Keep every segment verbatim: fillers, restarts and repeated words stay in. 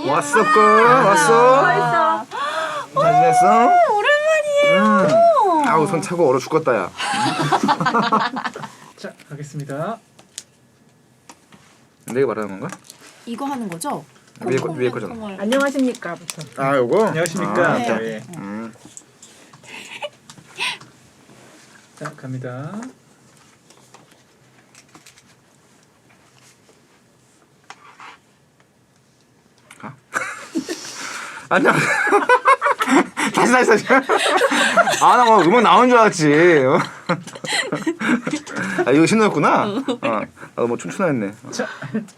왔어, 거 왔어. 벌써. 잘 지냈어? 오랜만이에요. 음. 아우 손 차고 얼어 죽겠다 야. 자, 가겠습니다. 내가 말하는 건가? 이거 하는 거죠? 위에 거 위에 거잖아. 안녕하십니까부터. 아 요거. 안녕하십니까. 아, 네. 예. 음. 자, 갑니다. 안녕. 다시 다시 다시. 아나 뭐 음악 나온 줄 알았지. 어? 아 이거 신호였구나. 어. 나도 뭐 춤추나 했네. 자,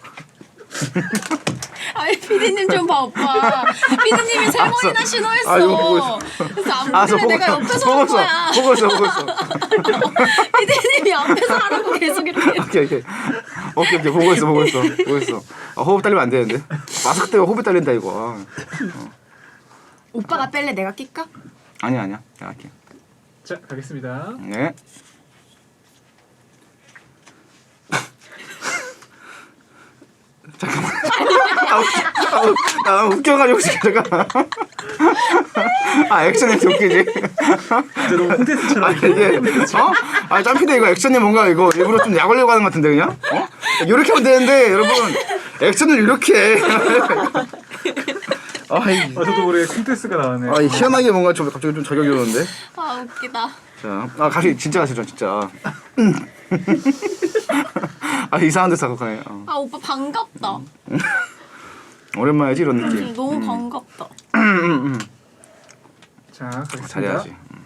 아니 피디님 좀 봐 오빠. 피디님이 세 번이나 신호했어. 아, 이거 보고 있어. 그래서 안 알았어, 보길래 내가 보고 있어. 옆에서 보고 한 있어. 거야. 보고 있어 보고 있어. 피디님이 앞에서 하라고 계속 이렇게. 오케이 오케이 오케이 오케이 보고 있어 보고 있어 보고 있어. 아, 호흡 딸리면 안 되는데. 마스크 때문에 호흡이 딸린다 이거. 아. 오빠가 뺄래 내가 낄까? 아니야 아니야 내가 할게. 자, 가겠습니다. 네. 잠깐만. 아, 웃겨. 아, 웃- 아, 웃겨가지고 지금 잠깐. 아 액션이 이렇게 웃기지. 이제 너무 콘텐츠처럼. 아 이게 어? 아 짬피데 이거 액션이 뭔가 이거 일부러 좀 약올려고 하는 것 같은데 그냥? 어? 이렇게 하면 되는데 여러분 액션을 이렇게 해. 아, 이, 아, 저도 모르게 콘텐츠가 나왔네요. 아, 이 희한하게 뭔가 좀 갑자기 좀 저격이 오는데. 아 웃기다. 자, 아 가시 진짜 가시죠 진짜. 음. 아 이상한 데서 가네. 어. 아 오빠 반갑다. 오랜만이지 이런 느낌. 음, 너무 반갑다. 자, 가겠습니다. 잘해야지. 음.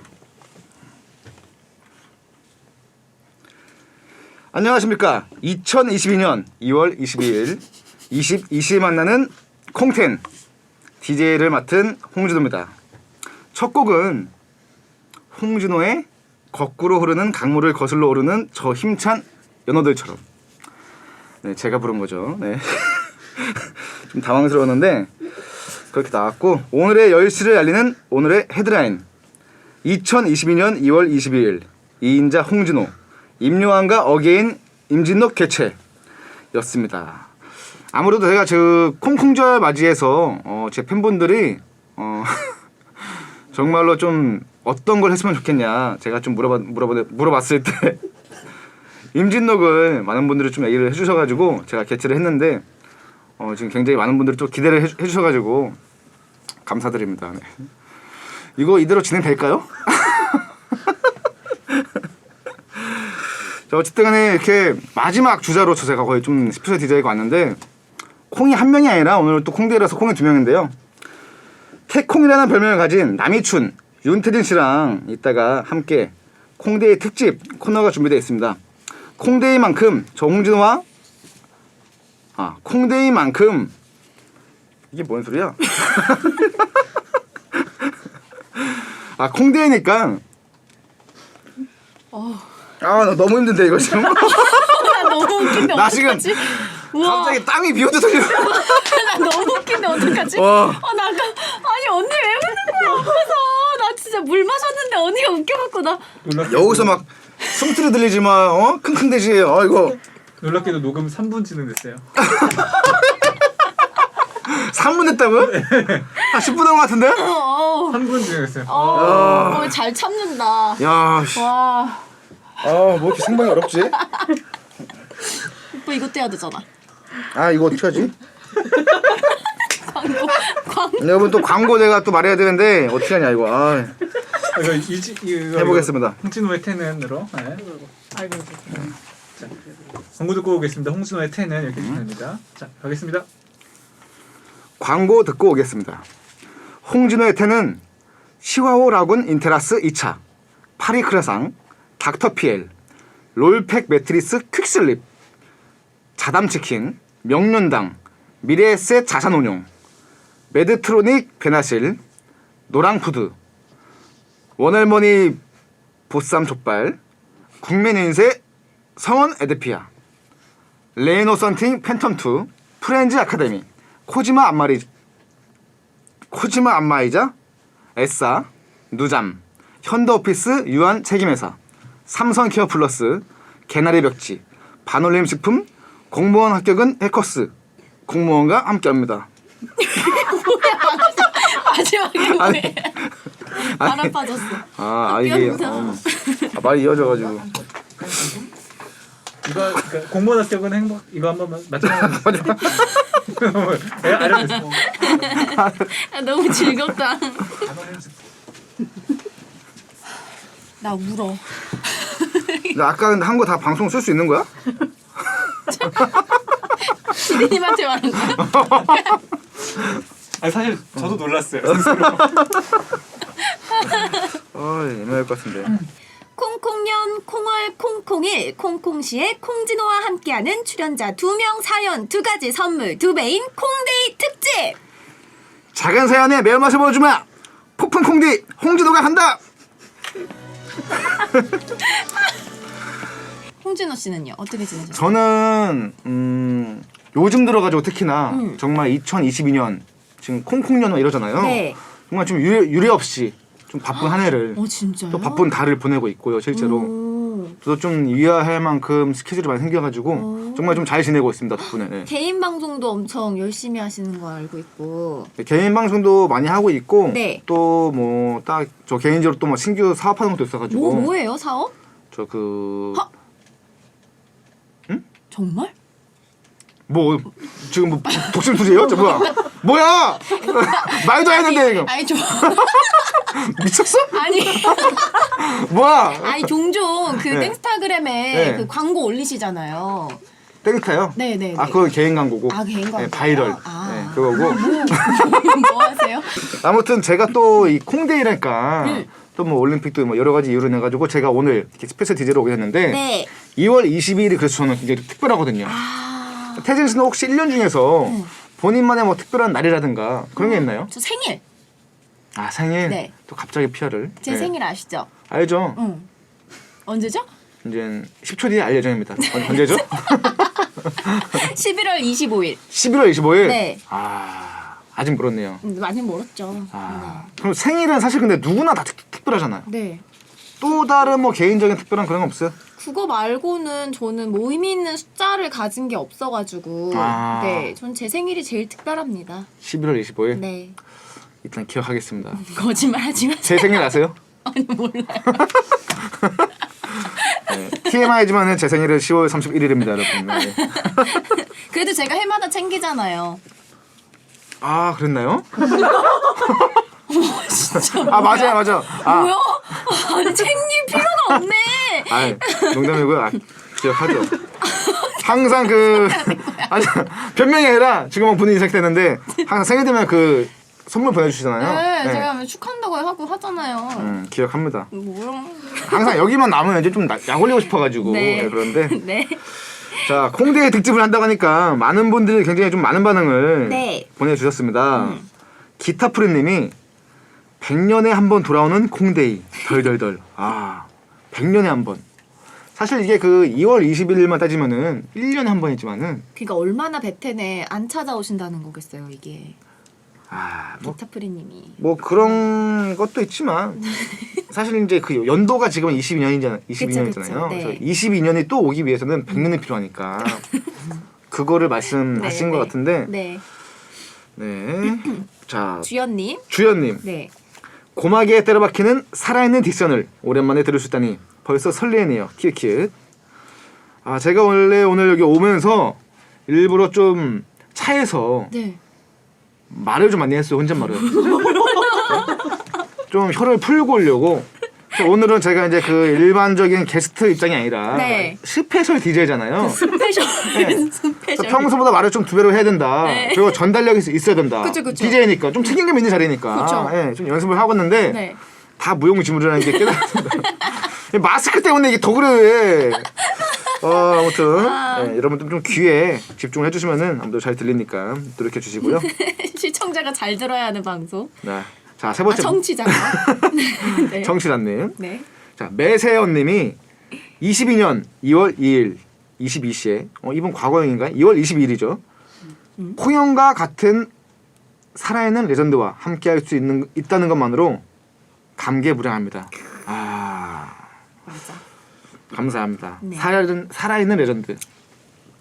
안녕하십니까. 이천이십이 년 이월 이십이일 이십 이십에 만나는 콩텐 디제이를 맡은 홍진호입니다. 첫 곡은 홍진호의 거꾸로 흐르는 강물을 거슬러 오르는 저 힘찬 연어들처럼. 네, 제가 부른 거죠. 네. 좀 당황스러웠는데 그렇게 나왔고, 오늘의 열시를 알리는 오늘의 헤드라인. 이천이십이 년 이월 이십이일 이인자 홍진호, 임요한과 어게인 임진록 개최였습니다. 아무래도 제가 저 콩콩절 맞이해서 어, 제 팬분들이 어, 정말로 좀 어떤 걸 했으면 좋겠냐 제가 좀 물어봐, 물어봐, 물어봤을 때 임진록을 많은 분들이 좀 얘기를 해주셔가지고 제가 개최를 했는데 어, 지금 굉장히 많은 분들이 또 기대를 해, 해주셔가지고 감사드립니다. 네. 이거 이대로 진행될까요? 자, 어쨌든 간에 이렇게 마지막 주자로서 제가 거의 좀 스페셜 디제이가 왔는데 콩이 한 명이 아니라 오늘 또 콩데이라서 콩이 두 명인데요. 태콩이라는 별명을 가진 남이춘, 윤태진 씨랑 이따가 함께 콩데이 특집 코너가 준비되어 있습니다. 콩데이만큼 저 홍진호와 아 콩데이만큼 이게 뭔 소리야? 아 콩데이니까 어. 아 나 너무 힘든데 이거 지금. 나 너무 웃긴데 나 지금 어떡하지? 우와. 갑자기 땀이 비오듯 흘려. 나 너무 웃긴데 어떡하지? 와. 어, 나 아까 아니 언니 왜 웃는 거야 앞에서. 나 진짜 물 마셨는데 언니가 웃겨갖고 나. 놀랍, 여기서 막 숨소리 들리지 마. 어? 킁킁대지. 어 이거 놀랍게도 녹음 삼 분 진행됐어요. 삼 분 했다고요? 한 십 분 한 것 같은데? 어, 삼 분 진행됐어요. 어, 어, 잘 참는다. 야, 씨. 와, 아, 뭐 이렇게 생방이 어렵지? 오빠 이것도 해야 되잖아. 아, 이거 어떻게 하지? 광고, 광고. 여러분 또 광고 내가 또 말해야 되는데 어떻게 하냐 이거. 아, 아, 이거 이지 이거 해보겠습니다. 홍진호의 텐은으로. 네. 아이고. 자, 광고 듣고 오겠습니다. 홍진호의 텐은 이렇게 진행됩니다. 자, 가겠습니다. 광고 듣고 오겠습니다. 홍진호의 텐은 시화호 라군 인테라스 이 차, 파리크라상, 닥터피엘, 롤팩 매트리스 퀵슬립, 자담치킨, 명륜당, 미래에셋 자산운용, 메드트로닉 베나실, 노랑푸드, 원할머니 보쌈 족발, 국민인쇄 성원 에드피아, 레이노 썬팅 팬텀2, 프렌즈 아카데미, 코지마 안마리 코지마 안마이자, 에싸, 누잠, 현대오피스 유한 책임회사, 삼성케어 플러스, 개나리 벽지, 반올림 식품, 공무원 합격은 해커스, 공무원과 함께합니다. 마지막에 아니, 뭐해? 바람 빠졌어. 아, 아 이게 웃겨, 어, 아, 말이 이어져가지고. 이거 그러니까 공무원 합격은 행복. 이거 한번 맞춰봐. 예, 알려줬어. 아, 너무 즐겁다. 나 울어. 근데 아까 근데 한 거 다 방송 쓸 수 있는 거야? 피디님한테 말한 거야? 아 사실 저도 놀랐어요. 아, 애매할 것 같은데. 콩콩년 콩월 콩콩일 콩콩시의 콩진호와 함께하는 출연자 두 명 사연 두 가지 선물 두 배인 콩데이 특집. 작은 사연에 매운맛을 보여주마. 폭풍 콩디 홍진호가 한다. 홍진호 씨는요 어떻게 지내셨어요? 저는 음, 요즘 들어가지고 특히나 음. 정말 이천이십이 년 지금 콩콩년 이러잖아요. 네. 정말 좀 유례, 유례 없이 좀 바쁜 한 해를 어 진짜요? 또 바쁜 달을 보내고 있고요. 실제로 오. 저도 좀 위화할 만큼 스케줄이 많이 생겨가지고 오. 정말 좀 잘 지내고 있습니다. 덕분에. 네. 개인 방송도 엄청 열심히 하시는 거 알고 있고. 네, 개인 방송도 많이 하고 있고 네. 또 뭐 딱 저 개인적으로 또 뭐 신규 사업하는 것도 있어가지고 뭐 뭐예요 사업? 저 그 하- 정말? 뭐 지금 뭐 독심 투지예요? 저 뭐야? 뭐야? 말도 안 했는데 이거 아니 좀 미쳤어? 아니 뭐야? 아니 종종 그 네. 땡스타그램에 네. 그 광고 올리시잖아요. 땡타요? 네네. 아 그건 개인 광고고. 아, 개인 광고요? 네, 바이럴. 아. 네, 그거고. 뭐 하세요? 아무튼 제가 또 이 콩데이랄까 음. 또 뭐 올림픽도 뭐 여러 가지 이유로 내 가지고 제가 오늘 이렇게 스페셜 디제이로 오게 됐는데 네. 이월 이십이일이 그래서 저는 굉장히 특별하거든요. 아. 태진 씨는 혹시 일 년 중에서 음. 본인만의 뭐 특별한 날이라든가 그런 게 있나요? 저 생일. 아 생일. 네. 또 갑자기 피아를. 제 네. 생일 아시죠? 알죠. 응. 언제죠? 이제 십 초 뒤에 알 예정입니다. 언- 언제죠? 십일월 이십오일. 십일월 이십오일. 네. 아 아직 멀었네요. 음, 많이 멀었죠. 아 그럼 생일은 사실 근데 누구나 다 특, 특별하잖아요. 네. 또 다른 뭐 개인적인 특별한 그런 거 없어요? 그거 말고는 저는 뭐 의미 있는 숫자를 가진 게 없어가지고 아. 네, 전 제 생일이 제일 특별합니다. 십일월 이십오일. 네. 일단 기억하겠습니다. 거짓말하지 마세요. 제 생일 아세요? 아니 몰라요. 네. 티엠아이지만은 제 생일은 시월 삼십일일입니다, 여러분. 네. 그래도 제가 해마다 챙기잖아요. 아 그랬나요? 진짜 아 맞아요, 맞아. 아, 뭐야? 아니 챙길 필요가 없네. 아 농담이고요. 아, 기억하죠. 항상 그 아니 변명이 아니라 지금은 본인이 시작됐는데 항상 생일 되면 그 선물 보내주시잖아요. 네, 제가 축하한다고 하고 하잖아요. 음, 기억합니다. 뭐야? 항상 여기만 남으면 이제 좀 약 올리고 싶어가지고 네. 네, 그런데 네. 자 콩데이 특집을 한다고 하니까 많은 분들이 굉장히 좀 많은 반응을 네. 보내주셨습니다. 음. 기타프리님이 백 년에 한 번 돌아오는 콩데이 덜덜덜. 아 백 년에 한 번. 사실 이게 그 이월 이십일일만 따지면은 일 년에 한 번이지만은 그러니까 얼마나 베텐에 안 찾아오신다는 거겠어요 이게. 아뭐 기타프리님이. 뭐 그런 것도 있지만 사실 이제 그 연도가 지금 이십이 년이잖아요. 이십이 년이잖아요. 그쵸, 네. 그래서 이십이 년이 또 오기 위해서는 백 년이 필요하니까 그거를 말씀하신 네, 것 네. 같은데 네. 네. 자 주연님. 주연님 네. 고막에 때려박히는 살아있는 딕션을 오랜만에 들을 수 있다니 벌써 설레네요. 키읔키읔. 아 제가 원래 오늘 여기 오면서 일부러 좀 차에서 네. 말을 좀 많이 했어요. 혼잣말을. 좀 혀를 풀고 오려고. 오늘은 제가 이제 그 일반적인 게스트 입장이 아니라 네. 스페셜 디제이잖아요. 스페셜. 그래서 스페셜. 평소보다 말을 좀 두 배로 해야 된다. 네. 그리고 전달력이 있- 있어야 된다. 그쵸, 그쵸. 디제이니까 좀 책임감 있는 자리니까. 그쵸. 예, 좀 연습을 하고 있는데 네. 다 무용지물이라는 게 깨달았습니다. 마스크 때문에 이게 더 그래. 어, 아무튼 아. 예, 여러분들 좀 귀에 집중을 해주시면은 아무도 잘 들리니까 노력해 주시고요. 시청자가 잘 들어야 하는 방송. 네. 자, 세 아, 번째 청취자가. 네. 정치란님. 네. 자, 매세연님이 이십이 년 이월 이일 이십이 시에 어, 이번 과거형인가요? 이월 이십이일이죠. 음. 콩형과 같은 살아있는 레전드와 함께할 수 있는 있다는 것만으로 감개무량합니다. 아 맞아. 감사합니다. 네. 살아있는 살아있는 레전드.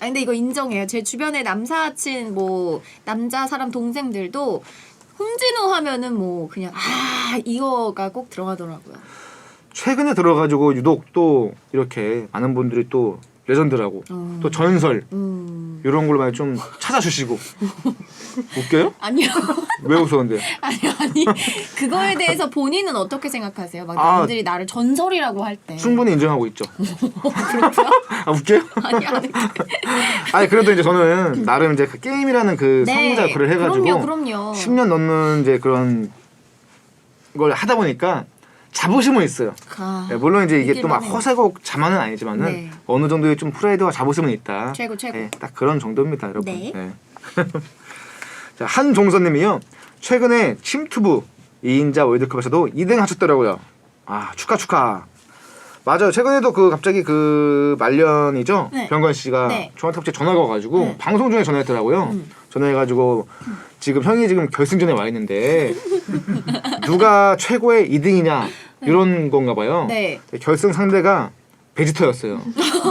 아 근데 이거 인정해요. 제 주변에 남사친 뭐 남자 사람 동생들도 홍진호 하면은 뭐 그냥 아 이거가 꼭 들어가더라고요. 최근에 들어가지고 유독 또 이렇게 많은 분들이 또 레전드라고 음. 또 전설 음. 이런 걸로 많이 좀 찾아주시고 웃겨요? 아니요. 왜 웃었는데? 아니 아니 그거에 대해서 본인은 어떻게 생각하세요? 막 아. 남들이 나를 전설이라고 할 때. 충분히 인정하고 있죠. 그렇죠? 아 웃겨요? 아니 아니. 아니 그래도 이제 저는 나름 이제 그 게임이라는 그 네. 성우자 글을 해가지고 그럼요, 그럼요. 십 년 넘는 이제 그런 걸 하다 보니까 자부심은 있어요. 아, 네, 물론 이제 이게 또 막 있기는 해요. 허세고 자만은 아니지만은 네. 어느 정도의 좀 프라이드와 자부심은 있다. 최고, 최고. 네, 딱 그런 정도입니다, 여러분. 네. 네. 자, 한종선님이요. 최근에 침투부 이 인자 월드컵에서도 이 등 하셨더라고요. 아 축하 축하. 맞아요. 최근에도 그 갑자기 그 말년이죠. 네. 병건 씨가 네. 저한테 갑자기 전화가 와가지고 네. 방송 중에 전화했더라고요. 음. 전화해가지고 지금 형이 지금 결승전에 와 있는데 누가 최고의 이 등이냐 이런 건가 봐요. 네. 결승 상대가 베지터였어요.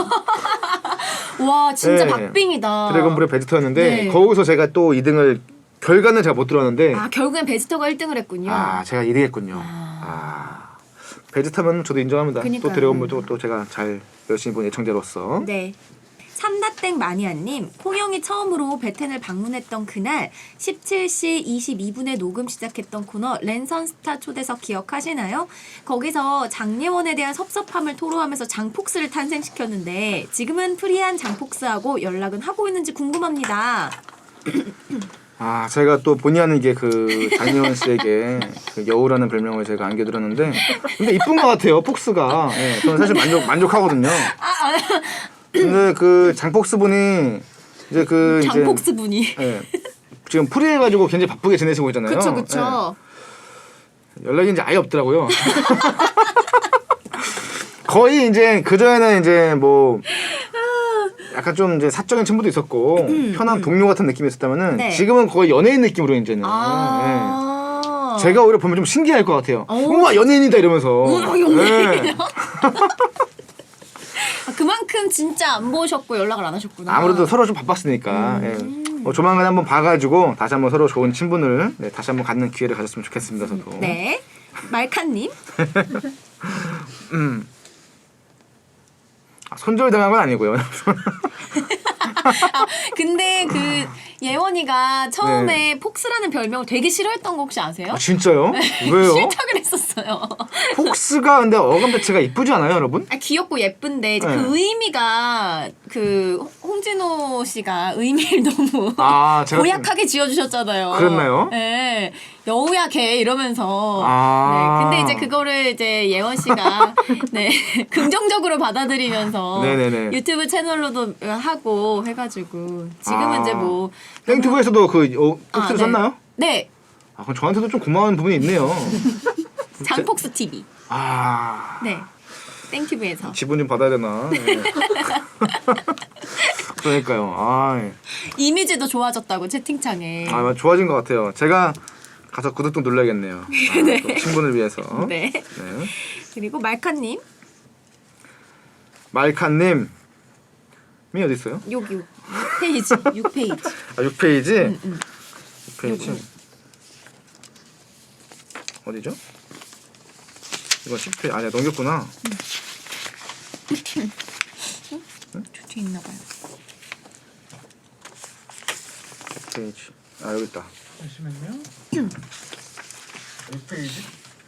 와 진짜 네. 박빙이다. 드래곤볼의 베지터였는데 네. 거기서 제가 또 이 등을 결과는 제가 못 들었는데 아 결국엔 베지터가 일 등을 했군요. 아 제가 일 위 했군요. 아. 아 베지터면 저도 인정합니다. 그니까요. 또 드래곤볼도 또 제가 잘 열심히 본 애청자로서 네. 삼다땡 마니아님, 콩형이 처음으로 베텐을 방문했던 그날 십칠 시 이십이 분에 녹음 시작했던 코너 랜선스타 초대석 기억하시나요? 거기서 장예원에 대한 섭섭함을 토로하면서 장폭스를 탄생시켰는데 지금은 프리한 장폭스하고 연락은 하고 있는지 궁금합니다. 아 제가 또 본의 아니게 그 장예원 씨에게 그 여우라는 별명을 제가 안겨드렸는데 근데 이쁜 것 같아요 폭스가. 예, 저는 사실 만족 만족하거든요. 근데 그 장폭스 분이 이제 그 장폭스 분이. 이제 예, 지금 프리해가지고 굉장히 바쁘게 지내시고 있잖아요. 그쵸 그쵸. 예, 연락이 이제 아예 없더라고요. 거의 이제 그 전에는 이제 뭐 약간 좀 이제 사적인 친분도 있었고 편한 동료 같은 느낌이 있었다면은 네. 지금은 거의 연예인 느낌으로 이제는. 아. 예. 제가 오히려 보면 좀 신기할 것 같아요. 오. 우와 연예인이다 이러면서. 우와, 연예인이다. 예. 아, 그만큼 진짜 안 보셨고 연락을 안 하셨구나. 아무래도 서로 좀 바빴으니까. 예. 어, 조만간 한번 봐가지고 다시 한번 서로 좋은 친분을 네, 다시 한번 갖는 기회를 가졌으면 좋겠습니다. 저도. 네. 말칸님. 음. 아, 손절당한 건 아니고요. 아, 근데 그 예원이가 처음에 네. 폭스라는 별명을 되게 싫어했던 거 혹시 아세요? 아, 진짜요? 왜요? 싫다 그랬었어요. 폭스가 근데 어감 자체가 이쁘지 않아요, 여러분? 아, 귀엽고 예쁜데 이제 네. 그 의미가 그 홍진호 씨가 의미를 너무 아, 제가 고약하게 지어주셨잖아요. 그랬나요? 네. 여우야 걔 이러면서. 아. 네. 근데 이제 그거를 이제 예원 씨가 네 긍정적으로 받아들이면서 네네네. 유튜브 채널로도 하고 해가지고 지금은 아. 이제 뭐 땡튜브에서도 그 어, 폭스를 아, 네. 썼나요? 네. 아, 그럼 저한테도 좀 고마운 부분이 있네요. 장폭스 티비. 아. 네. 땡튜브에서. 지분 좀 받아야 되나? 네. 그러니까요. 아, 예. 이미지도 좋아졌다고 채팅창에. 아, 좋아진 것 같아요. 제가 가서 구독 좀 눌러야겠네요. 아, 네. 또 친분을 위해서. 네. 네. 그리고 말카님. 말칸님. 이 어디 있어요? 여기 육 페이지. 육 페이지. 아, 육 페이지? 응, 응. 육 페이지. 요거. 어디죠? 이거 십 페이지. 아, 내가 넘겼구나. 저 뒤에 있나 봐요. 육 페이지. 아, 여기 있다. 잠시만요. 육 페이지?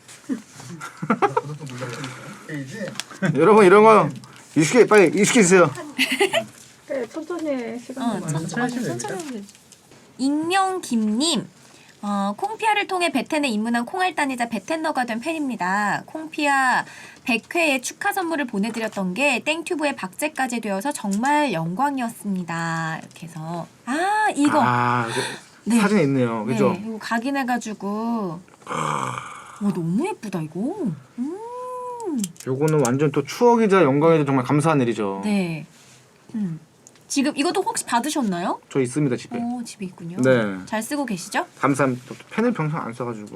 페이지? 여러분 이런 거 익숙해 빨리 익숙해주세요. 네, 천천히 해, 시간 어, 좀 천천히 천천히 하시면 천천히 됩니다. 하면 되지. 익명 김님. 어, 콩피아를 통해 베텐에 입문한 콩알단이자 베텐너가 된 팬입니다. 콩피아 백 회의 축하 선물을 보내드렸던 게 땡튜브의 박제까지 되어서 정말 영광이었습니다. 이렇게 해서 아 이거 아 이거 네. 사진에 있네요. 그죠? 네, 이거 각인해가지고 와 너무 예쁘다 이거. 음. 요거는 완전 또 추억이자 영광이자 정말 감사한 일이죠. 네. 음. 지금 이것도 혹시 받으셨나요? 저 있습니다 집에. 오 집에 있군요. 네. 잘 쓰고 계시죠? 감사합니다. 저 펜을 평생 안 써가지고.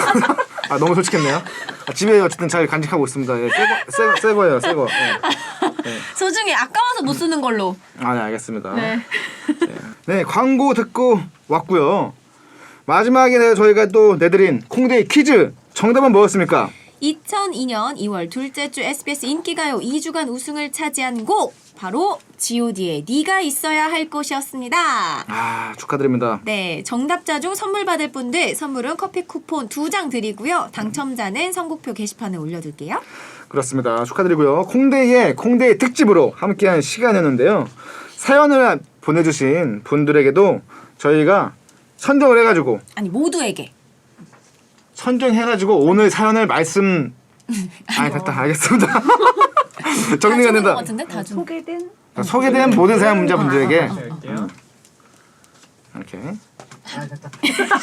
아 너무 솔직했네요. 아, 집에 어쨌든 잘 간직하고 있습니다. 예, 새거 새거 새거예요 새거. 예. 소중히 아까워서 못 쓰는 걸로. 아, 네, 알겠습니다. 네. 네, 광고 듣고 왔고요. 마지막에 네, 저희가 또 내드린 콩데이 퀴즈 정답은 뭐였습니까? 이천이 년 이월 둘째 주 에스비에스 인기가요 이 주간 우승을 차지한 곡 바로 지오디의 네가 있어야 할 곳이었습니다. 아, 축하드립니다. 네, 정답자 중 선물 받을 분들 선물은 커피 쿠폰 두 장 드리고요. 당첨자는 선곡표 게시판에 올려둘게요. 그렇습니다. 축하드리고요. 콩데이의 콩데이 특집으로 함께한 시간이었는데요. 사연을 보내주신 분들에게도 저희가 선정을 해가지고 아니 모두에게. 선정해가지고 오늘 사연을 말씀. 아, 됐다. 알겠습니다. 다 정리가 주는 것 된다. 같은데 다 준. 소개된 소개된 모든 사연 문자분들에게 다시 할게요. 이렇게. 아 됐다.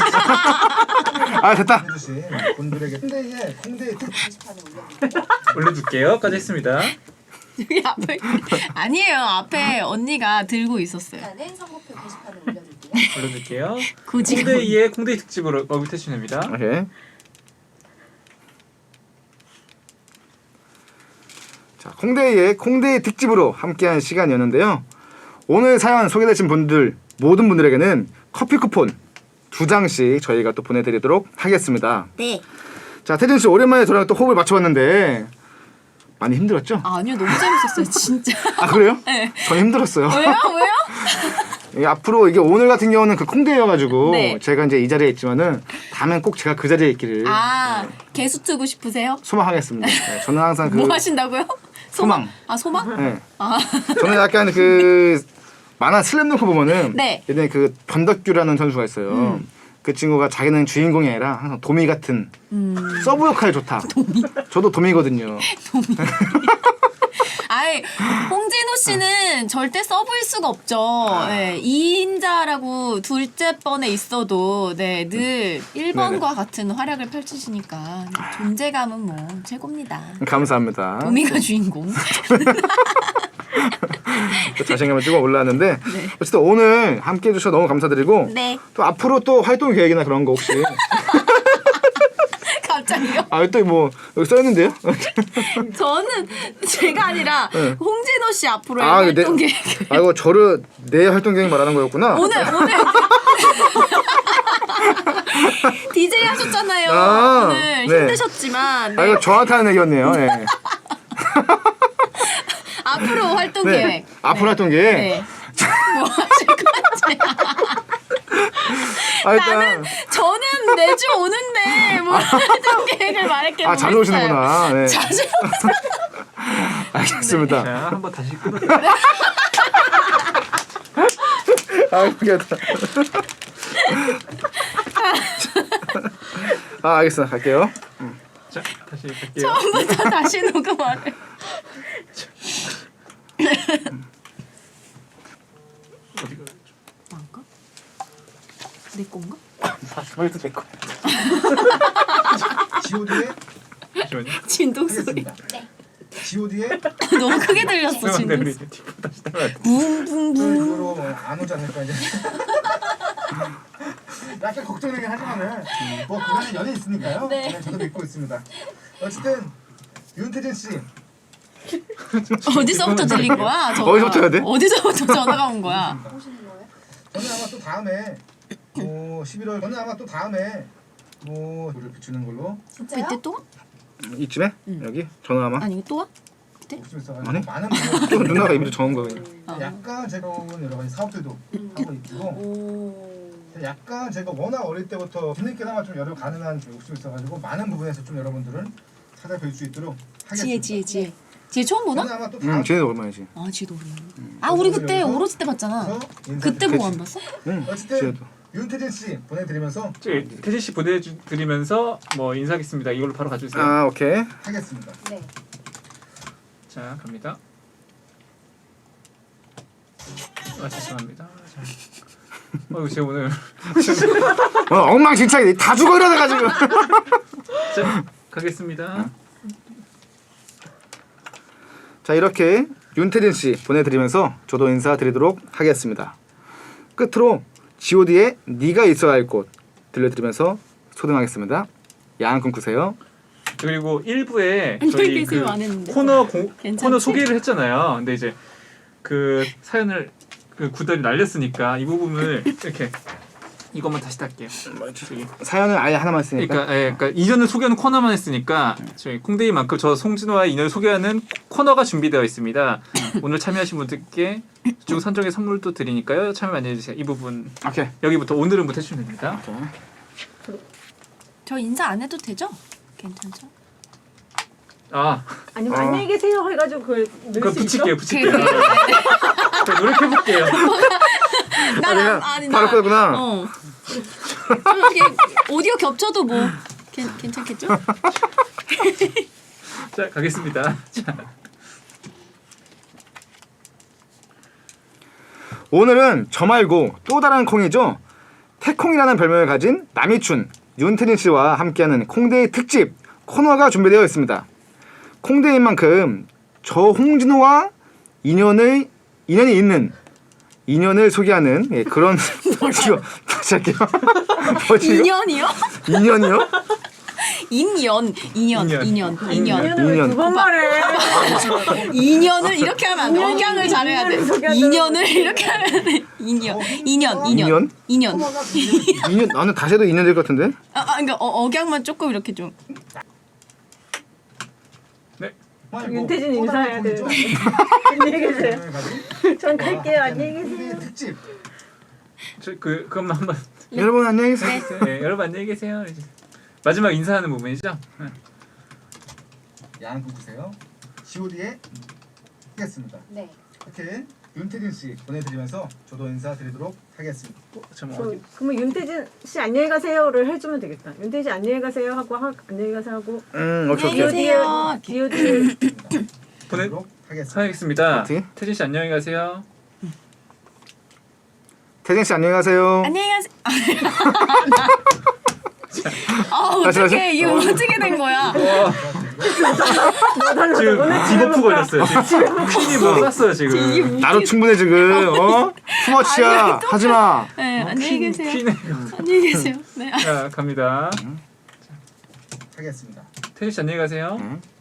아, 됐다. 해주신 분들에게 콩데이에 콩데이 특 올려둘게요. 까지 했습니다. 여기 앞에 아니에요. 앞에 언니가 들고 있었어요. 나는 선곡표 게시판에 올려둘게요. 올려둘게요. 굳이 콩데이의 콩데이 특집으로 어뷰태신입니다. 오케이. 자, 콩데이의 콩데이 특집으로 함께한 시간이었는데요. 오늘 사연 소개되신 분들 모든 분들에게는 커피 쿠폰 두 장씩 저희가 또 보내드리도록 하겠습니다. 네. 자, 태진 씨 오랜만에 저랑 또 호흡을 맞춰봤는데 많이 힘들었죠? 아, 아니요 너무 재밌었어요 진짜. 아, 그래요? 네. 전 힘들었어요. 왜요? 왜요? 이게 앞으로 이게 오늘 같은 경우는 그 콩데이여가지고 네. 제가 이제 이 자리에 있지만은 다음엔 꼭 제가 그 자리에 있기를 아 개수 트고 싶으세요? 소망하겠습니다. 네, 저는 항상 그 뭐 하신다고요? 소망. 아 소망? 네. 아 저는 약간 그 만화 슬램덩크 보면은 네. 예전에 그 변덕규라는 선수가 있어요. 음. 그 친구가 자기는 주인공이 아니라 항상 도미 같은 음. 서브 역할 좋다. 도미. 저도 도미거든요. 아이 홍진호 씨는 절대 서브일 수가 없죠. 네, 이 인자라고 둘째 번에 있어도 네, 늘 일 번과 같은 활약을 펼치시니까 존재감은 뭐 최고입니다. 감사합니다. 도미가 주인공. 또 자신감을 찍어 올라왔는데 네. 어쨌든 오늘 함께 해주셔서 너무 감사드리고 네. 또 앞으로 또 활동 계획이나 그런 거 혹시 갑자기요? 아 또 뭐 여기 써있는데요? 저는 제가 아니라 네. 홍진호 씨 앞으로의 아, 활동 네. 계획. 아 이거 저를 내 활동 계획 말하는 거였구나. 오늘 오늘 디제이 하셨잖아요. 아, 오늘 네. 힘드셨지만 아 네. 이거 저한테 하는 얘기였네요. 네. 앞으로 활동 네. 계획. 앞으로 네. 활동 계획. 네. 뭐 하실 건지. 아, 일단 나는 저는 매주 오는데 뭐 활동 계획을 말할게. 아 자주 오시는구나. 네. 자주. 알겠습니다. 자, 한번 다시 끊어. 아 웃기다. 아 알겠어 갈게요. 자, 다시 갈게요. 처음부터 다시 녹음하래. 어디가? 뭔가? 내 건가? 머리도 내 거야. 지오디에 잠시만요. 진동 소리. 하겠습니다. 지오디에 너무 크게 들렸어 죄송한데 진동 우리 소리. 뒷부 다시 따라야 돼. 붕붕붕. 이후로 뭐안 오지 않을까 이제. 약간 걱정이긴 하지만은 뭐 그간에 연이 있으니까요. 네. 네, 저도 믿고 있습니다. 어쨌든 윤태진 씨 어디서부터 들린 거야? 전화. 어디서부터 해야 돼? 어디서부터 전화가 온 거야? 저는 아마 또 다음에 뭐 십일월 저는 아마 또 다음에 뭐 노를 비추는 걸로 그때 또 와? 이쯤에 응. 여기 전화만. 아니 또 와? 욕심 있어가지고 아니? 많은 또 분들 누나가 입으로 적은 거 그냥. 어. 약간 제가 온 여러 가지 사업들도 하고 있고 약간 제가 워낙 어릴 때부터 뒤늦게나마 좀 여러 가능한 좀 욕심이 있어가지고 많은 부분에서 좀 여러분들은 찾아뵐 수 있도록 하겠습니다. 지혜 지혜 지혜. 지혜 처음 보나? 저는 아마 또 다음 응, 쟤네도 얼마이지? 아 지혜도 오랜만에. 아 우리 그때 오로지 때 봤잖아. 주에서 그때 보고 인사드리겠습니다. 안 봤어? 응, 어쨌든 쟤네도. 윤태진 씨 보내드리면서 저기 태진 씨 보내드리면서 뭐 인사하겠습니다. 이걸로 바로 가주세요. 아 오케이. 하겠습니다. 자, 갑니다. 아, 죄송합니다. 자. 어, 제가 오늘 어, 엉망진창이 다 죽어 이러다가 지금. 자, 가겠습니다. 자 이렇게 윤태진 씨 보내드리면서 저도 인사드리도록 하겠습니다. 끝으로 지오디의 네가 있어야 할 곳 들려드리면서 소등하겠습니다. 야한 꿈 꾸세요. 그리고 일부에 안녕히 저희 계세요 그 안 했는데. 코너 공, 괜찮지? 코너 소개를 했잖아요. 근데 이제 그 사연을 그 구달이 날렸으니까 이 부분을 이렇게 이것만 다시 달게요. 저기. 사연을 아예 하나만 쓰니까. 그러니까, 예, 그러니까 이전을 소개하는 코너만 했으니까 저희 콩데이만큼 저 송진호와 인연을 소개하는 코너가 준비되어 있습니다. 오늘 참여하신 분들께 중 선정의 선물도 드리니까요. 참여 많이 해주세요. 이 부분 오케이. 여기부터 오늘은부터 해주시면 됩니다. 저 인사 안 해도 되죠? 괜찮죠? 아, 아니면 어. 안녕히 계세요 해가지고 그걸 그럼 넣을 수 있어? 붙일게요, 붙일게요. 자, 노력해볼게요. 난 내가 안- 아니 바로 나- 끄구나. 어. 좀 이렇게 오디오 겹쳐도 뭐 괜, 괜찮겠죠? 자, 가겠습니다. 자, 오늘은 저 말고 또 다른 콩이죠. 태콩이라는 별명을 가진 남이춘, 윤태진 씨와 함께하는 콩데이 특집 코너가 준비되어 있습니다. 콩데이인 만큼 저 홍진호와 인연의 인연이 있는 인연을 소개하는 예, 그런 뭐지요? 다시 할게요. 뭐지요? 인연이요? 인연이요? 인연, 인연, 인연. 인연, 인연. 인연을 왜 인연. 두 번 말해? 인연을 이렇게 하면 안 돼. 인연이 억양을 잘해야 돼. 인연을 소개하자고. 인연을 이렇게 하면 돼. 인연, 인연, 인연, 인연? 인연. 코너가 준비되어 인연 나는 다시 해도 인연 될 것 같은데. 아, 아 그러니까 어, 억양만 조금 이렇게 좀. 정말 윤태진 뭐 인사해야 또 다른 돼. 콩이죠. 안녕히 계세요. 별명을 가진 전 갈게요. 안녕히 콩데이 계세요. 특집. 저, 그, 그것만 한번. 여러분 안녕히 계세요. 네, 여러분 안녕히 계세요. 이제 마지막 인사하는 부분이죠. 네. 양 끊으세요. 지오디에 하겠습니다. 네. 이렇게 윤태진 씨 보내드리면서 저도 인사드리도록 하겠습니다. 참 저, 어디? 그러면 윤태진 씨 안녕히 가세요를 해주면 되겠다. 윤태진 씨 안녕히 가세요 하고 하, 안녕히 가세요 하고 음 오케이 안녕히 오케이. 계세요. 디오디 보내 보내도록 하겠습니다. 하겠습니다. 어떻게? 태진 씨 안녕히 가세요. 태진 씨 안녕히 가세요. 안녕히 가세요. 아 다시, 어떻게 다시. 이게 어떻게 된 거야? 와, 지금 디버프 걸렸어요. 지금 퀸이 뭐 쐈어요 지금. 나도 충분해 지금. 어? 투머치야. 하지 마. 네, 안녕히 계세요. 퀸에. 안녕히 계세요. 네. 자 갑니다. 하겠습니다. 태진 씨 안녕히 가세요. 응.